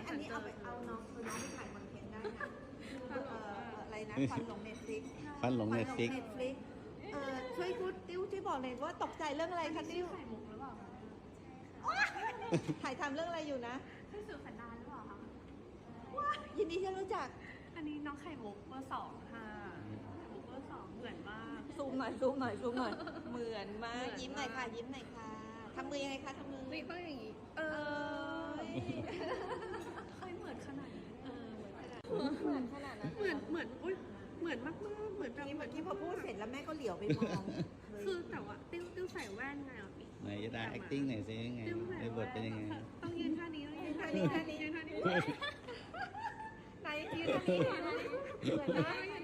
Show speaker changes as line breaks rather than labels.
อันนี้เอาน้องไปถ่ายคอนเทนต์ได้นะอะไรนะฟันหลงเน็ตฟลิก
ฟันหลงเน็ตฟลิก
ช่วยพูดติ้วช่วยบอกเลยว่าตกใจเรื่องอะไรคะติ้ว
ไข่มุกหรือเปล่าคะ
ถ่ายทำเรื่องอะไรอยู่นะ
ใช่สื่อสันดานหรือเปล่าคะ
ยินดีที่รู้จัก
อันนี้น้องไข่มุกเบอร์ 2ค่ะไข่มุกเบอร์ 2เหมือนมาก
ซูมหน่อยเหมือนมากยิ้มหน่อยค่ะทำมือยังไงคะทำมือ
นี่ต้องอย่างนี้เคยเหมือนขนาดนี้
เหมือนขนาดนั้น
เหมือนอุ้ยเหมือนมากๆเหมือนแบบ
นี่เมื่อกี้พอพูดเสร็จแล้วแม่ก็เหลียวไปมอง
คือแต่ว่าติ้วใส่แว่นไงอ่ะพี่
ไหนจะได้ acting หน่อยสิยังไงในบทเป็นยังไง
ต้องยืนท่านี้ต้องยืนท่านี้
ไหนยืนท่านี้เหมือนนะ